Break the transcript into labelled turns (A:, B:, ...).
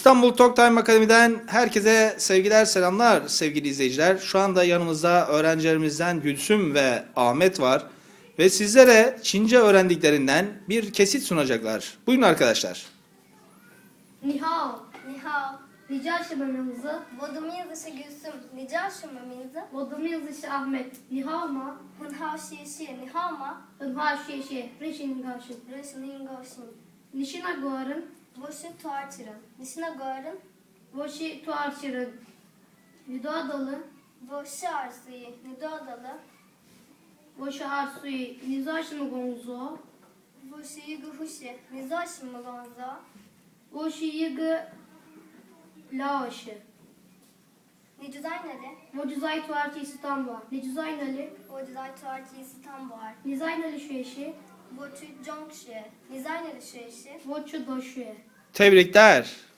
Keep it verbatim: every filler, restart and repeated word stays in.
A: İstanbul Talk Time Akademi'den herkese sevgiler, selamlar sevgili izleyiciler. Şu anda yanımızda öğrencilerimizden Gülsüm ve Ahmet var. Ve sizlere Çince öğrendiklerinden bir kesit sunacaklar. Buyurun arkadaşlar.
B: 你好，
C: 你好，
B: 你叫什么名字？
C: 我的名字是 Gülsüm，你叫什么名字？
B: 我的名字是 Ahmet。你好吗？
C: 很好，谢谢。你好吗？
B: 很好，谢谢。认识你高兴。
C: 认识您高兴。
B: 你是哪国人？
C: 我是土耳其人。你是哪国人？
B: 我是土耳其人。你多大了？
C: 我是二岁。你多大了？
B: 我是二岁。你做什么工作？
C: 我是一个护士。你做什么工作？
B: 我是一个老师。
C: 你住在哪里？
B: 我住在土耳其伊斯坦布尔。你住在哪里？
C: 我住在土耳其伊斯坦布尔。
B: 你在哪里学习？
C: 我去中学。你在哪里学习？
B: 我去大学。
A: Tebrikler.